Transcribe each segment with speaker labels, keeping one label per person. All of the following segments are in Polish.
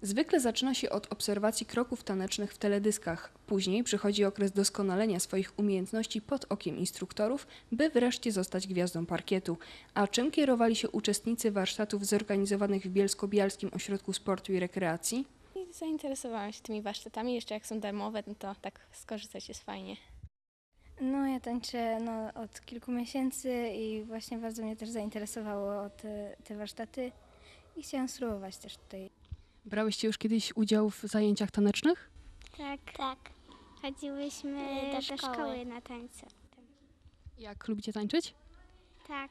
Speaker 1: Zwykle zaczyna się od obserwacji kroków tanecznych w teledyskach. Później przychodzi okres doskonalenia swoich umiejętności pod okiem instruktorów, by wreszcie zostać gwiazdą parkietu. A czym kierowali się uczestnicy warsztatów zorganizowanych w Bielsko-Bialskim Ośrodku Sportu i Rekreacji?
Speaker 2: I zainteresowałam się tymi warsztatami, jeszcze jak są darmowe, no to tak skorzystać jest fajnie.
Speaker 3: No, ja tańczę od kilku miesięcy i właśnie bardzo mnie też zainteresowało te warsztaty i chciałam spróbować też tutaj.
Speaker 1: Brałyście już kiedyś udział w zajęciach tanecznych?
Speaker 4: Tak. Chodziłyśmy do szkoły na tańce.
Speaker 1: Jak lubicie tańczyć?
Speaker 4: Tak.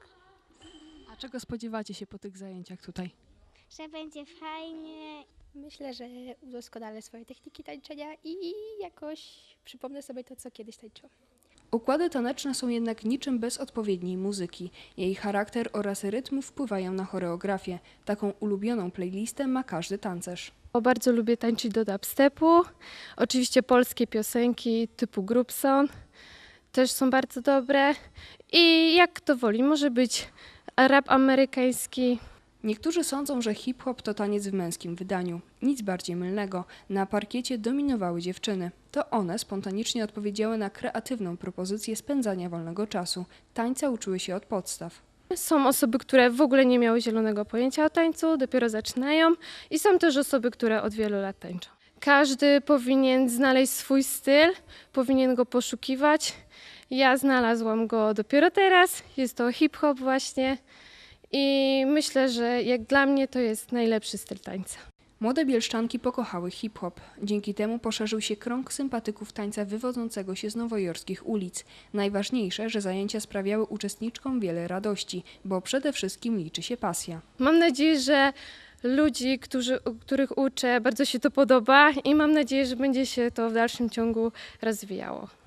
Speaker 1: A czego spodziewacie się po tych zajęciach tutaj?
Speaker 4: Że będzie fajnie.
Speaker 5: Myślę, że udoskonalę swoje techniki tańczenia i jakoś przypomnę sobie to, co kiedyś tańczyłam.
Speaker 1: Układy taneczne są jednak niczym bez odpowiedniej muzyki. Jej charakter oraz rytm wpływają na choreografię. Taką ulubioną playlistę ma każdy tancerz.
Speaker 6: Bardzo lubię tańczyć do dubstepu. Oczywiście polskie piosenki typu Grubson też są bardzo dobre. I jak kto woli, może być rap amerykański.
Speaker 1: Niektórzy sądzą, że hip-hop to taniec w męskim wydaniu. Nic bardziej mylnego. Na parkiecie dominowały dziewczyny. To one spontanicznie odpowiedziały na kreatywną propozycję spędzania wolnego czasu. Tańca uczyły się od podstaw.
Speaker 6: Są osoby, które w ogóle nie miały zielonego pojęcia o tańcu, dopiero zaczynają. I są też osoby, które od wielu lat tańczą. Każdy powinien znaleźć swój styl, powinien go poszukiwać. Ja znalazłam go dopiero teraz. Jest to hip-hop właśnie. I myślę, że jak dla mnie to jest najlepszy styl tańca.
Speaker 1: Młode bielszczanki pokochały hip-hop. Dzięki temu poszerzył się krąg sympatyków tańca wywodzącego się z nowojorskich ulic. Najważniejsze, że zajęcia sprawiały uczestniczkom wiele radości, bo przede wszystkim liczy się pasja.
Speaker 6: Mam nadzieję, że ludzi, których uczę, bardzo się to podoba i mam nadzieję, że będzie się to w dalszym ciągu rozwijało.